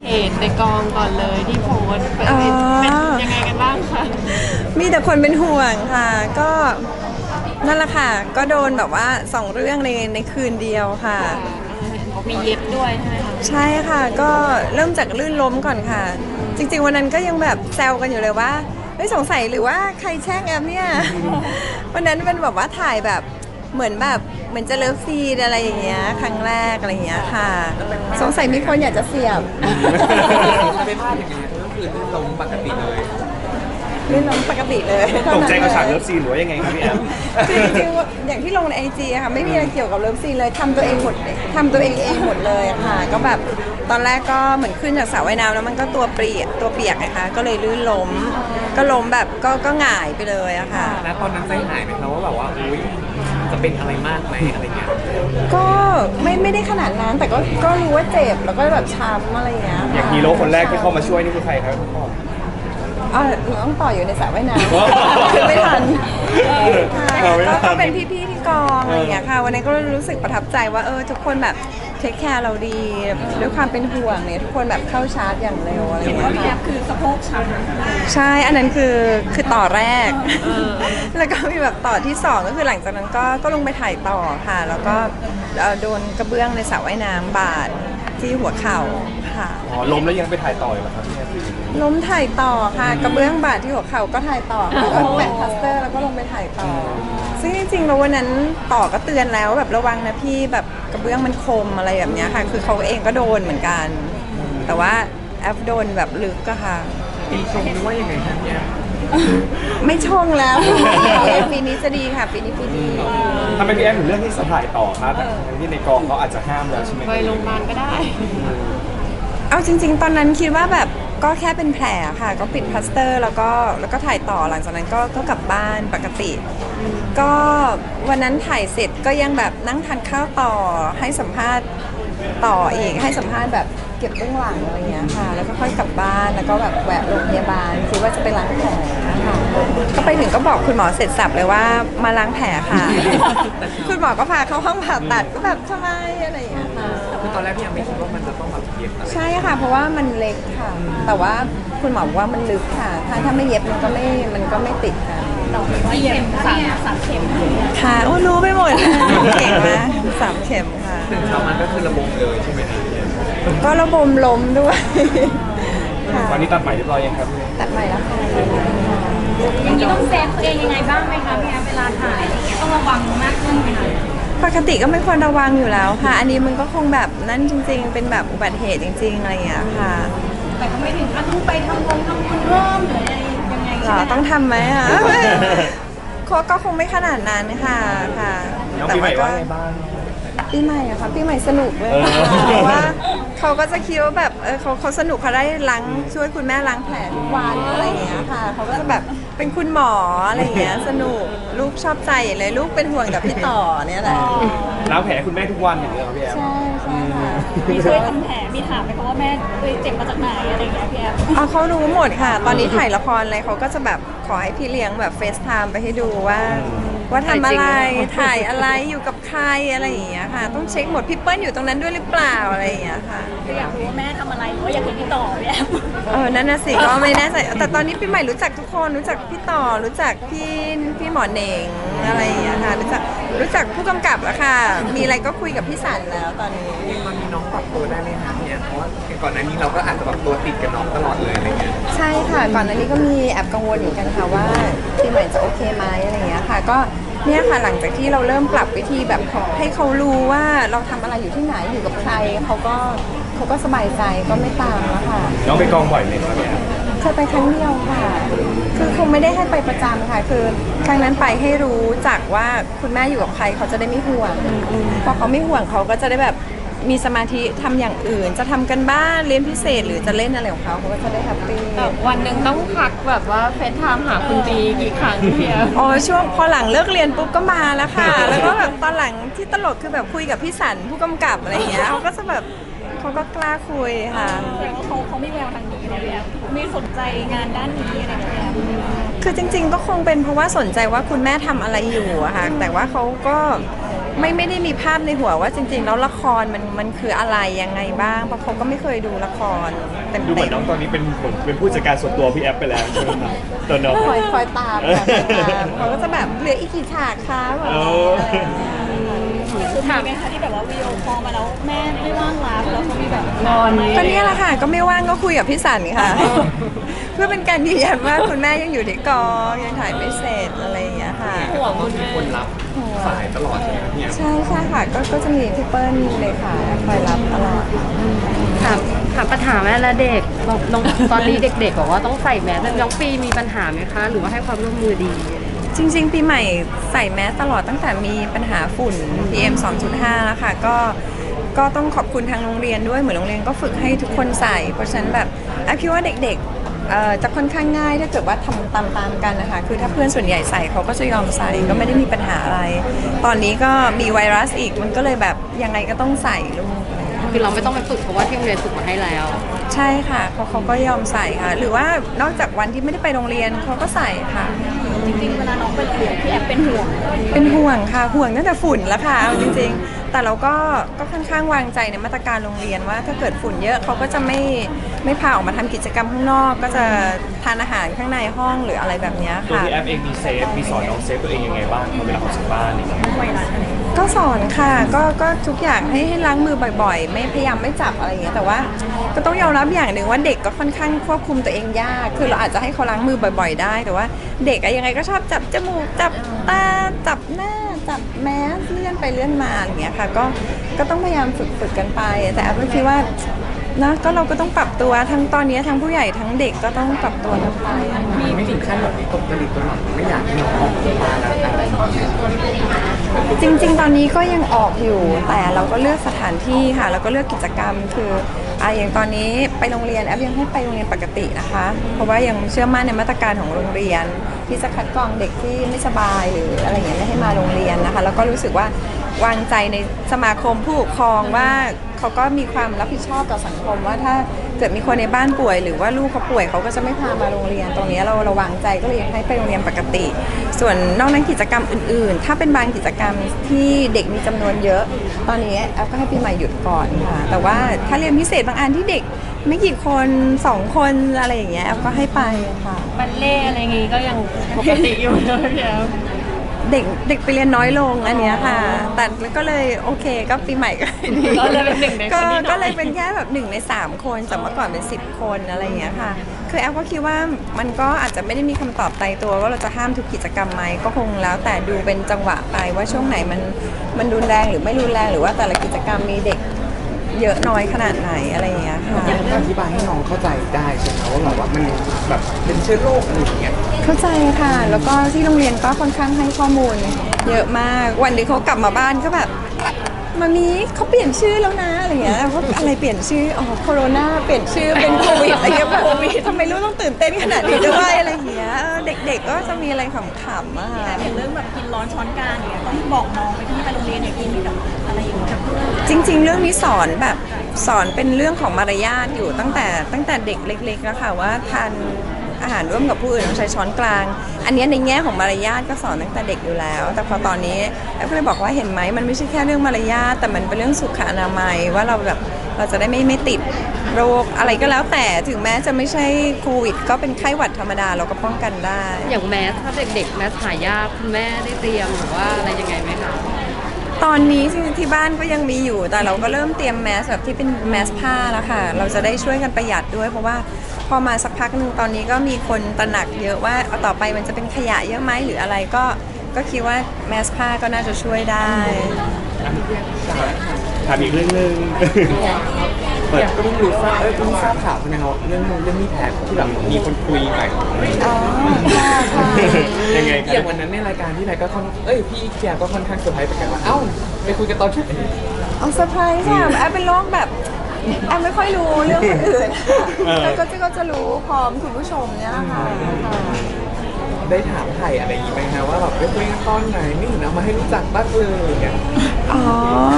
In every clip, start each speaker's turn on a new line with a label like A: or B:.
A: เหตุในกองก่อนเลยที่โพสต์เป็นยังไงกันบ้างคะ
B: มีแต่คนเป็นห่วงค่ะ ก็นั่นแหละค่ะ ก็โดนแบบว่า2เรื่องในคืนเดียวค่ะ
A: มีเย็บด้วยใช่ไหมคะ
B: ใช่ค่ะ ก็เริ่มจากลื่นล้มก่อนค่ะ จริงๆวันนั้นก็ยังแบบแซวกันอยู่เลยว่าเฮ้ยสงสัยหรือว่าใครแช่งแอมเนี่ย วันนั้นเป็นแบบว่าถ่ายแบบเหมือนจะเลิฟซีนอะไรอย่างเงี้ยครั้งแรกอะไรอย่างเงี้ยค่ะ สงสัยมีคนอยากจะเสียบ
C: ไม่พลาดอย่างนี้ก็คือลื่นล้มปกติเลย
B: ลื่นล้มปกติเลย
D: ตกใจกับฉากเลิฟซีนหรือว่ายังไงครับพี่แอม
B: คือจริงๆอย่างที่ลงในไอจีอะค่ะไม่มีอะไรเกี่ยวกับเลิฟซีนเลยทำตัวเองหมดหมดเลยอะค่ะ ก็แบบตอนแรกก็เหมือนขึ้นจากสระว่ายน้ำแล้วมันก็ตัวเปียกนะคะก็เลยลื่นล้มก็ล้มแบบก็หงายไปเลยอะค่ะ
C: แล้วตอนนั้นใจหายไหมครับว่าแบบว่าอุ้ยจะเป็นอะไรมากไหมอะไรเงี้ย
B: ก็ไม่ได้ขนาดนั้นแต่ก็รู้ว่าเจ็บแล้วก็แบบช้ำอะไรอย่างเงี้ย
D: อย่างฮีโร่คนแรกที่เข้ามาช่วยนี่คือใครครับ
B: หนูต้องต่ออยู่ในสระว่ายน้
D: อ๋อ
B: ำคือไม่ทันค่ะ
D: เอาไม่ทัน
B: ก็เป็นพี่ๆที่กองอะไรอย่างเงี้ยค่ะวันนี้ก็รู้สึกประทับใจว่าทุกคนแบบเทคแคร์เราดีด้วยความเป็นห่วงเนี่ยทุกคนแบบเข้าชาร์จอย่างเร็วอะไรอย่างเงี้ยค่ะ
A: คือสะโพกช้ำ
B: ใช่อันนั้นคือต่อแรก แล้วก็มีแบบต่อที่2ก็คือหลังจากนั้นก็ลงไปถ่ายต่อค่ะ แล้วก็โดนกระเบื้องในสระว่ายน้ำบาดที่หัวเข่าค่ะ
D: อ๋อล้มแล้วยังไปถ่ายต่ออยู่เหรอครับพี่แอม
B: ล้มถ่ายต่อค่ะกระเบื้องบาดที่หัวเข่าก็ถ่ายต่อค่ะก็แปะพลาสเตอร์แล้วก็ลงไปถ่ายต่อ ซึ่งจริงๆแล้ววันนั้นต่อก็เตือนแล้วแบบระวังนะพี่แบบกระเบื้องมันคมอะไรแบบเนี้ยค่ะ คือเขาเองก็โดนเหมือนกัน แต่ว่าแอฟโดนแบบลึกอะค่ะ
C: ปีชมหรือว่ายังไงครับเนี่ย
B: ไม่ชงแล้วปีนี้จะดีค่ะปีนี้ปีดี
D: ทำไมพี่แอมถึงเลือกที่จะถ่ายต่อครับทั้งที่ในกองเขาอาจจะห้ามแล้วใช่ไหม
A: ไปโรงพยาบาลก็ได้
B: เอาจริง ๆ ตอนนั้นคิดว่าแบบก็แค่เป็นแผลค่ะ ก็ปิดพลาสเตอร์แล้วก็ถ่ายต่อหลังจากนั้นก็กลับบ้านปกติ ก็วันนั้นถ่ายเสร็จก็ยังแบบนั่งทานข้าวต่อให้สัมภาษณ์ต่ออีกให้สัมภาษณ์แบบเก็บเบื้องหลังอะไรเงี้ยค่ะ แล้วก็ค่อยกลับบ้านแล้วก็แบบแวะโรงพยาบาลคิดว่าจะไปล้างแผลนะคะก็ไปถึงก็บอกคุณหมอเสร็จสับเลยว่ามาล้างแผลค่ะ คุณหมอก็พาเข้าห้องผ่าตัดก็แบบทำไมอะไรอย่างเงี้ยค่ะ
C: คือตอนแรกพี่ยังไม่คิดว่ามันจะต้องแบบเย็บอะไร
B: ใช่ค่ะ เพราะว่ามันเล็กค่ะ แต่ว่าคุณหมอบอกว่ามันลึกค่ะ ถ้าไม่เย็บมันก็ไม่ติดค่ะ
A: เย็บสามเข็ม
B: ค่ะโอ้รู้ไปหมดเลยเก่งนะ3 เข็มค่ะ
C: ตื่นเช้ามาก็คือระบมเลยใช่ไหมครับพี่แอม
B: ก็ระบมล้มด้วย ค่ะ
D: ตอนนี้ตัดใหม่เรียบร้อยยังครับพี่
B: ตัดใหม่แล้วค่ะ
A: อย่างนี้ต้องเซฟตัวเองยังไงบ้างไหมคะพี่แอฟเวลาถ่ายอะไรเงี้ยต้องระวังมากขึ้นไหมคะ
B: ปกติก็ไม่ควรระวังอยู่แล้วค่ะ อันนี้มันก็คงแบบนั่นจริง ๆ เป็นแบบอุบัติเหตุจริง ๆอะไรอย่างเงี้ยค่ะ
A: แต่ก็ไม่ถึงขั้นต้องไปทำบุญเพิ่มหรืออะไรยังไง
B: หร
A: ใช่
B: อ
A: ไหม
B: ต้องทำไหมอ่ะ ก็คงไม่ขนาดนั้นค่ะค่ะ
D: น้องปีใหม่ว่าไงบ้าง
B: ปีใหม่อะค่ะปีใหม่สนุกเลย
D: เออ
B: ค่ะเพราะว่าเขาก็จะคิดว่าแบบเขาสนุกเขาได้ล้างช่วยคุณแม่ล้างแผลทุกวันอะไรอย่างเงี้ยค่ะเขาก็จะแบบเป็นคุณหมออะไรอย่างเงี้ยสนุกลูกชอบใจเลยลูกเป็นห่วงกับพี่ต่อเนี่ยแหละ
D: ล้างแผลให้คุณแม่ทุกวันอย่างเงี้ยเหรอพี่แอม
B: ใช่ค่ะ
A: มีช่วยทำแผลมีถามไหมคะว่าแม่เจ็บมาจากไหนอะไรเงี้ยพี่แอฟ
B: เอาเขารู้หมดค่ะ ตอนนี้ถ่ายละครอะไรเขาก็จะแบบขอให้พี่เลี้ยงแบบเฟซไทม์ไปให้ดูว่าทำอะไรถ่ายอะไรอยู่กับใครอะไรอย่างเงี้ยค่ะ ต้องเช็คหมดพี่เปิ้ลอยู่ตรงนั้นด้วยหรือเปล่าอะไรอย่างเงี้ยค่ะ
A: อยากรู้ว่าแม่ทำอะไรหรือว่าอยากเห็นพี่ต่อพี่แอฟ
B: นั่นน่ะสิก็ไม่แน่ใจแต่ตอนนี้พี่ใหม่รู้จักทุกคนรู้จักพี่ต่อรู้จักพี่หมอเหน่งอะไรอย่างเงี้ยค่ะรู้จักผู้กำกับแล้วค่ะ มีอะไรก็คุยกับพี่สันแล้วตอนนี้
C: มันมีน้องปรับตัวได้ไหมครับพี่แอมเพราะว่าก่อนหน้านี้เราก็อาจจะแบบตัวติดกับน้องตลอดเลยอะไรเงี้ย
B: ใช่ค่ะก่อนหน้านี้ก็มีแอบกังวลอยู่กันค่ะว่าพี่ใหม่จะโอเคไหมอะไรอย่างเงี้ยค่ะ ก็เนี่ยค่ะหลังจากที่เราเริ่มปรับวิธีแบบให้เขารู้ว่าเราทำอะไรอยู่ที่ไหนอยู่กับใครเขาก็สบายใจก็ไม่ตามแล้วค่ะ
D: น้องไปกองบ่อยไหมครับพี่แอม
B: เคยไปครั้งเดียวค่ะ คือคงไม่ได้ให้ไปประจำค่ะ คือครั้งนั้นไปให้รู้จักว่าคุณแม่อยู่กับใครเขาจะได้ไม่ห่วงพอเขาไม่ห่วงเขาก็จะได้แบบมีสมาธิทำอย่างอื่น จะทำกันบ้านเรียนพิเศษหรือจะเล่นอะไรของเขาเขาก็จะได้แฮปปี้
A: วันหนึ่งต้องพักแบบว่าเฟซไทม์หาคุณตีกี่ครั้งพี่แอฟ
B: อ๋อช่วงพอหลังเลิกเรียนปุ๊บก็มาแล้วค่ะ แล้วก็แบบตอนหลังที่ตลกคือแบบคุยกับพี่สันผู้กำกับอะไรอย่างเงี้ยเขาก็จะแบบเขาก็กล้าคุยค่ะ
A: แสดงว่าเขาไม่แววทางนี้นะพี่แอฟไม่สนใจงานด้านนี้อะไรอย่างเงี้ย
B: คือจริงๆก็คงเป็นเพราะว่าสนใจว่าคุณแม่ทำอะไรอยู่อะค่ะ แต่ว่าเขาก็ไม่ได้มีภาพในหัวว่าจริงๆแล้วละครมันคืออะไรยังไงบ้างเพราะเขาก็ไม่เคยดูละครเต็ม
D: ดูเหมือนน้องตอนนี้เป็นเหมือนเป็นผู้จัดการส่วนตัวพี่แอฟไปแล้วใช่ไหมครับตัวน้อง
B: คอยตามค่ะคอยตามเขาก็จะแบบเหลืออีกกี่ฉากคะแบบ
D: เออ
A: คือถามไหมคะที่แบบว่าวิดีโอคอลมาแล้วแม่ไม่ว่างรับแล้วเขามีแบบงอน
B: ก็เนี่ยแหละค่ะก็ไม่ว่างก็คุยกับพี่สันค่ะ เพื่อเป็นการยืนยันว่าคุณแม่ยังอยู่ที่กองยังถ่ายไม่เสร็จอะไรอย่างเงี้ยค่ะ
C: ห่วงว่ามีคนรับสายตลอดใช่ไหมครับพี่แอฟ
B: ใช่ค่ะก็จะมีพี่เปิ้ลเลยค่ะคอยรับตลอด
E: ถามปัญหาแม่และเด็กน้องตอนนี้เด็กๆบอกว่าต้องใส่แมสน้องปีมีปัญหาไหมคะ หรือว่าให้ความร่วมมือดี
B: จริงๆปีใหม่ใส่แมสตลอดตั้งแต่มีปัญหาฝุ่น PM 2.5 แล้วค่ะก็ต้องขอบคุณทางโรงเรียนด้วยเหมือนโรงเรียนก็ฝึกให้ทุกคนใส่เพราะฉะนั้นแบบคิดว่าเด็กๆจะค่อนข้างง่ายถ้าเกิดว่าทำตามๆกันนะคะคือถ้าเพื่อนส่วนใหญ่ใส่เขาก็จะยอมใส่ก็ไม่ได้มีปัญหาอะไร ตอนนี้ก็มีไวรัสอีกมันก็เลยแบบยังไงก็ต้องใส่ลูก
E: คือเราไม่ต้องไปฝึกเพราะว่าที่โรงเรียนฝึกมาให้แล้ว
B: ใช่ค่ะเขาก็ยอมใส่ค่ะ หรือว่านอกจากวันที่ไม่ได้ไปโรงเรียนเขาก็ใส่ค่ะ
A: จริงๆเวลาน้องไปโรงเรียนพี่แอบเป็นห่วง
B: เป็นห่วงค่ะห่วงตั้งแต่ฝุ่นแล้วค่ะเอาจริงๆ แต่เราก็ค่อนข้างวางใจในมาตรการโรงเรียนว่าถ้าเกิดฝุ่นเยอะเขาก็จะไม่พาออกมาทำกิจกรรมข้างนอก ก็จะทานอาหารข้างในห้องหรืออะไรแบบเนี้ย
D: ตัว
B: ค่ะ
D: พี่แอฟเองมีเซฟมีสอนน้องเซฟตัวเองยังไงบ้างเวลาออกจากบ้านอะไรอย่างเงี้ย
B: ก็สอนค่ะก็ทุกอย่างให้ล้างมือบ่อยๆ ไม่พยายามไม่จับอะไรอย่างเงี้ยแต่ว่าก็ต้องยอมรับอย่างหนึ่งว่าเด็กก็ค่อนข้างควบคุมตัวเองยากคือเราอาจจะให้เขาล้างมือบ่อยๆ ได้ แต่ว่าเด็กอะยังไงก็ชอบจับจมูกจับตาจับหน้าจับแมสเลื่อนไปเลื่อนมาอย่างเงี้ยค่ะก็ต้องพยายามฝึกกันไป แต่แอฟก็คิดว่านะก็เราก็ต้องปรับตัวทั้งตอนนี้ทั้งผู้ใหญ่ทั้งเด็กก็ต้องปรับตัวกันไป
C: มีไม่ถึงขั้นแบบตกผลึกตัวหน่อยไม่อยากให้น้องออกจากบ้านแล้วอะไรอย่างเงี้ย
B: จริงๆ ตอนนี้ก็ยังออกอยู่แต่เราก็เลือกสถานที่ค่ะแล้วก็เลือกกิจกรรมคืออย่างตอนนี้ไปโรงเรียนแอฟยังให้ไปโรงเรียนปกตินะคะ เพราะว่ายังเชื่อมั่นในมาตรการของโรงเรียนที่จะคัดกรองเด็กที่ไม่สบายหรืออะไรอย่างเงี้ยไม่ให้มาโรงเรียนนะคะแล้วก็รู้สึกว่าวางใจในสมาคมผู้ปกครองว่าเขาก็มีความรับผิดชอบต่อสังคมว่าถ้าเกิดมีคนในบ้านป่วย หรือว่าลูกเขาป่วยเขาก็จะไม่พามาโรงเรียนตรงนี้เราวางใจก็เลยให้ไปโรงเรียนปกติ ส่วนนอกนั้นกิจกรรมอื่นๆ ถ้าเป็นบางกิจกรรมที่เด็กมีจำนวนเยอะ ตอนนี้แอฟก็ให้ปีใหม่หยุดก่อนค่ะแต่ว่าถ้าเรียนพิเศษบางอันที่เด็กไม่กี่คน2 คนอะไรอย่างเงี้ยแอฟก็ให้ไปค่ะ
A: บัลเล่อะไรอย่างงี้ก็ยังปกติอยู่เลยพี่แอฟ
B: เด็กไปเรียนน้อยลงอันเนี้ยค่ะ แต่ก็เลยโอเคก็ปีใหม่ก็ดี
A: ก็เลยเป็นหนึ่งในคนที่น้อย
B: ก็เลยเป็นแค่แบบ1 ใน 3 คนจากเมื่อก่อนเป็น10 คนอะไรอย่างเงี้ยค่ะ คือแอฟก็คิดว่ามันก็อาจจะไม่ได้มีคำตอบตายตัวว่าเราจะห้ามทุกกิจกรรมไหมก็คงแล้วแต่ดูเป็นจังหวะไปว่าช่วงไหนมันรุนแรงหรือไม่รุนแรงหรือว่าแต่ละกิจกรรมมีเด็กเยอะน้อยขนาดไหนอะไรอย่างเงี้ยค่ะ
C: อธิบายให้น้องเข้าใจได้ใช่ไหมว่าแบบว่ามันแบบเป็นเชื้อโรคอะไรอย่างเงี้ย
B: เข้าใจค่ะ แล้วก็ที่โรงเรียนก็ค่อนข้างให้ข้อมูลเยอะมาก วันหนึงเขากลับมาบ้านก็แบบมามีเขาเปลี่ยนชื่อแล้วนะอะไรเงี้ยว่าอะไรเปลี่ยนชื่ออ๋อโคโรนาเปลี่ยนชื่อเป็นโควิดอะไรเงี้ยแบบทำไมลูกต้องตื่นเต้นขนาดนี้ด้วยอะไรเงี้ยเด็กๆก็จะมีอะไรขำๆอะค่ะ
A: แต่อย่างเรื่องแบบกินร้อนช้อนกลางอย่างเงี้ยต้องบอกน้องไปที่ไปโรงเรียนอย่ากินกับอะไรอย่างเงี้ยกับเพื่อน
B: จริงๆ เรื่องนี้สอนแบบสอนเป็นเรื่องของมารยาทอยู่ตั้งแต่เด็กเล็กๆแล้วค่ะว่าทานอาหารร่วมกับผู้อื่นต้องใช้ช้อนกลาง อันนี้ในแง่ของมารยาทก็สอนตั้งแต่เด็กอยู่แล้ว แต่พอตอนนี้แอฟก็เลยบอกว่าเห็นไหมมันไม่ใช่แค่เรื่องมารยาทแต่มันเป็นเรื่องสุขอนามัยว่าเราแบบเราจะได้ไม่ติดโรคอะไรก็แล้วแต่ถึงแม้จะไม่ใช่โควิดก็เป็นไข้หวัดธรรมดาเราก็ป้องกันได้
E: อย่างแมสถ้าเด็กๆแมสหายากคุณแม่ได้เตรียมหรือว่าอะไรยังไงไหมคะ
B: ตอนนี้ที่บ้านก็ยังมีอยู่แต่เราก็เริ่มเตรียมแมสแบบที่เป็นแมสผ้าแล้วค่ะเราจะได้ช่วยกันประหยัดด้วยเพราะว่าพอมาสักพักหนึ่งตอนนี้ก็มีคนตระหนักเยอะว่าเอาต่อไปมันจะเป็นขยะเยอะไหมหรืออะไรก็คิดว่าแมสผ้าก็น่าจะช่วยได้
D: ถามอีกเรื่องหนึง
C: อยากก็เพิ่งรู้ทราบเพิ่งทราบข่าวใช่ไหมครับเรื่องนี้แผลที่แบบมีคนคุยไป
B: อ๋อค่ะค่ะ
D: ยังไงค
C: อย่า
D: รับ
C: งวันนั้นในรายการที่ไหนก็พี่เกียร์ก็ค่อนข้างเซอร์ไพรส์เหมือนกันว่าเอ้าไปคุยกันตอนไหน
B: เอาเซอร์ไพรส์ค่ะแอฟเป็นโรคแบบแอฟไม่ค่อยรู้เรื่องคนอื่นแล้วก็จะรู้พร้อมคุณผู้ชมเนี่ยค่ะ
C: ได้ถามไถ่อะไรอย่างงี้ไหมคะว่าแบบไปคุยกันตอนไหนไม่เห็นเอามาให้รู้จักบ้างเลยเนี่ย
B: อ๋อ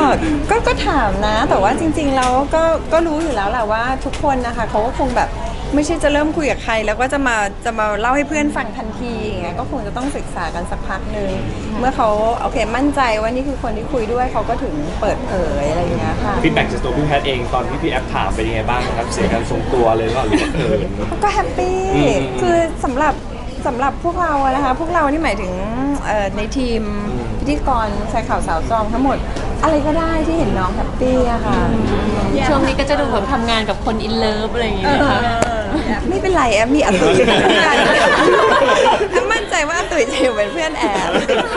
B: ก็ถามนะแต่ว่าจริงๆแล้วก็รู้อยู่แล้วแหละว่าทุกคนนะคะเขาก็คงแบบไม่ใช่จะเริ่มคุยกับใครแล้วก็จะมาเล่าให้เพื่อนฟังทันทีอย่างเงี้ยก็คงจะต้องศึกษากันสักพักหนึ่งเมื่อเขาโอเคมั่นใจว่านี่คือคนที่คุยด้วยเขาก็ถึงเปิดเผยอะไรอย่างเงี้ยค่ะ
D: ฟีดแบ็กจากตัวพี่แพทย์เองตอนที่พี่แอฟถามเป็นยังไงบ้างครับเสียการทรงตัวเลยว่าหรือว่า
B: ก็แฮปปี้
D: อืม
B: คือสำหรับพวกเราอะนะคะพวกเรานี่หมายถึงในทีมพิธีกรชายข่าวสาวตรองทั้งหมด อะไรก็ได้ที่เห็นน้องแฮปปี้อะค่ะ
F: ช่วงนี้ก็จะดูแบบทำงานกับคนอินเลิฟอะไรอย่างเงี้ยนะคะ
B: ไม่เป็นไรแอมมีอาตุ๋ยแอมมั่นใจว่าอาตุ๋ยจะอยู่เป็นเพื่อนแอม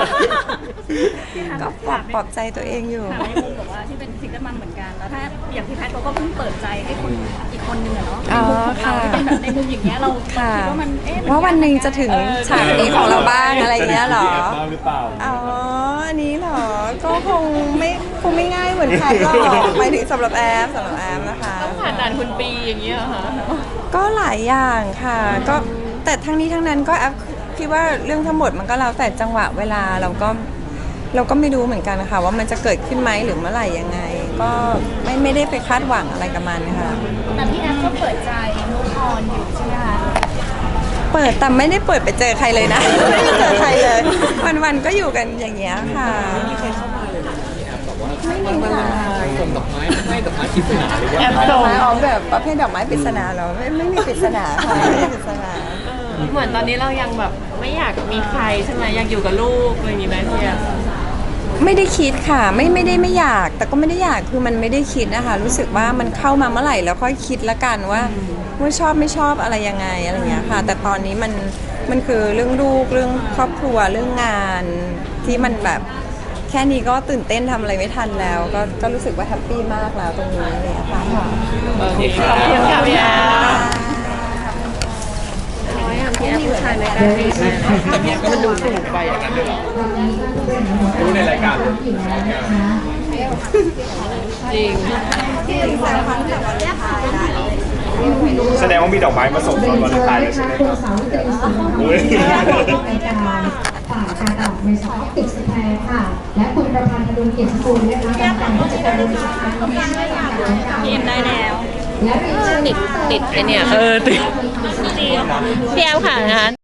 B: ก็ปลอบใจตัวเองอยู่
A: ถามในมุมแบบว่าที่เป็นซิงเกิลมัมเหมือนกันแล้วถ้าอย่างพี่แพทย์เขาก็เพิ่งเปิดใจให้คนอีกคนนึงอะเนาะในมุมของเราที่เป็นแบบในมุมอย่างเงี้ยเราคิดว่ามัน
B: ว่าวันหนึ่งจะถึงฉากนี้ของเราบ้างอะไรเงี้ยเหรอ
D: พี่แอฟบ้างหรือเปล่า
B: อ๋อ อันนี้เหรอ ก็คงไม่ง่ายเหมือนใครหรอกหมายถึงสำหรับแอมนะคะ
F: ต้องผ่านด่านคุณปีอย่างเงี้ยเหรอค่ะ
B: ก็หลายอย่างค่ะ ก็แต่ทั้งนี้ทั้งนั้นก็แอฟคิดว่าเรื่องทั้งหมดมันก็แล้วแต่จังหวะเวลาเราก็ไม่รู้เหมือนกันนะคะว่ามันจะเกิดขึ้นไหมหรือเมื่อไหร่ยังไง ก็ไม่ได้ไปคาดหวังอะไรกับมันค่ะ
A: แต่พี่แอฟก็เปิดใจมูฟออนอยู่ใช่ไหมคะ
B: เปิดแต่ไม่ได้เปิดไปเจอใครเลยนะ ไม่ได้เจอใครเลย วันๆก็อยู่กันอย่างเงี้ยค่ะ
C: มีใครเข้ามาเลยนะพี่แอฟแบบว่า
B: ไม่มี
C: วัน
B: ค่ะ
C: วาเลนไทน์ส่งดอกไม้ให้ดอกไม้ปริศนาหรือว่า
F: แอป
B: ดอกไม้ออมแบบประเภทดอกไม้ปริศนาเหรอไม่มีปริศนาค่ะไม่มีปริศนา
F: เหมือนตอนนี้เรายังแบบไม่อยากมีใครใช่ไหมอยากอยู่กับลูกอะไรอย่างงี้ไหมพี่แอฟ
B: ไม่ได้คิดค่ะไม่ได้ไม่อยาก แต่ก็ไม่ได้อยากคือมันไม่ได้คิดนะคะรู้สึกว่ามันเข้ามาเมื่อไหร่แล้วค่อยคิดละกันว่าชอบไม่ชอบอะไรยังไงอะไรอย่างเงี้ยค่ะ แต่ตอนนี้มันคือเรื่องลูกเรื่องครอบครัวเรื่องงานที่มันแบบแค่นี้ก็ตื่นเต้นทำอะไรไม่ทันแล้ว ก็รู้สึกว่าแฮปปี้มากแล้วตรงนี้เลยค่ะ
F: ขอบคุณค่ะพี่แอฟน้อยอ่ะพี่แอฟผู้ชายในการดีใช่ไหม
C: แต่พี่แอฟก็มันดูสูงไปอย่างนั้นเลยเหรอ
D: รู้ในรายการ
F: จริง
D: แสดงว่ามีดอกไม้มาส่งตอนวันตายเลยใช่ไหมครับอุ้ย
G: ในการฝ่ายการออกในสองติดสแพรค่ะ และคุณประพันธ์อดุลเกียรติกุลนะคะกรรมการผู้จัดการบริษัทการท่องเที่ยวการจัดการ
A: พี่เอ็มได้แล้ว
G: และเรียนเชิญ
F: ติดไอเนี่ยติดพี่แอฟค่ะนะคะ